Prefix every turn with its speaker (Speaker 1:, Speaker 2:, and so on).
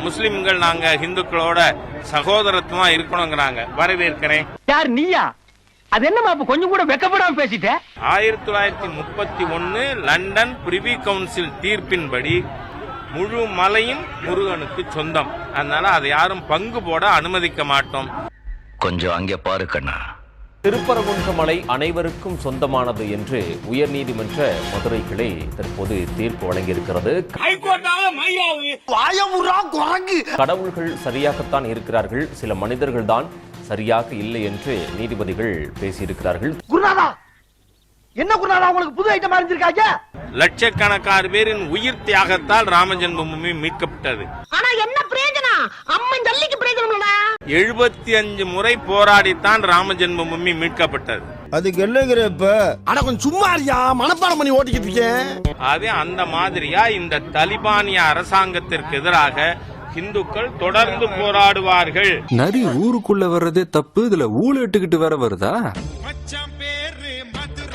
Speaker 1: முஸ்லிம்கள் நாங்க இந்துக்களோட சகோதரத்துவமா இருக்கணுங்கிறாங்க. வரவேற்கிறேன்.
Speaker 2: யார் நீயா? அது என்னமா கொஞ்சம் கூட வெக்கப்படாம பேசிட்ட?
Speaker 1: 1931 லண்டன் பிரிவி கவுன்சில் தீர்ப்பின்படி முழு மலையும் முருகனுக்கு சொந்தம். அதனால அதை யாரும் பங்கு போட அனுமதிக்க மாட்டோம்.
Speaker 3: கொஞ்சம் அங்கே பாரு கண்ணா.
Speaker 4: திருப்பரங்குன்ற மலை அனைவருக்கும் சொந்தமானது என்று உயர்நீதிமன்ற மதுரை கிளை தற்போது தீர்ப்பு வழங்கியிருக்கிறது. கடவுள்கள் சரியாகத்தான் இருக்கிறார்கள், சில மனிதர்கள் தான் சரியாக இல்லை என்று நீதிபதிகள் பேசியிருக்கிறார்கள்.
Speaker 2: குருநாதா, என்ன குருநாதா உங்களுக்கு புது ஐட்டம் அறிஞ்சிருக்காங்க?
Speaker 1: லட்சக்கணக்கான பேரின் உயிர் தியாகத்தால் ராம ஜென்மபூமி மீட்கப்பட்டது.
Speaker 2: ஆனா என்ன பிரயோஜனம்? அம்மன் ஜல்லிக்கு பிரயோஜனம் இல்ல.
Speaker 1: 75 முறை போராடித்தான் ராம ஜென்மபூமி மீட்கப்பட்டது.
Speaker 5: அதுக்கு என்னங்கிறப்ப
Speaker 6: ஆனா கொஞ்சம் சும்மா இருக்கியா, மனப்பாடம் பண்ணி ஓட்டிக்கிட்டு இருக்கேன்.
Speaker 1: அதே அந்த மாதிரியா இந்த தலிபானிய அரசாங்கத்திற்கு எதிராக இந்துக்கள் தொடர்ந்து போராடுவார்கள்.
Speaker 7: நரி ஊருக்குள்ள வர்றதே தப்பு, இதுல ஊழ இட்டுக்கிட்டு வேற வருதா?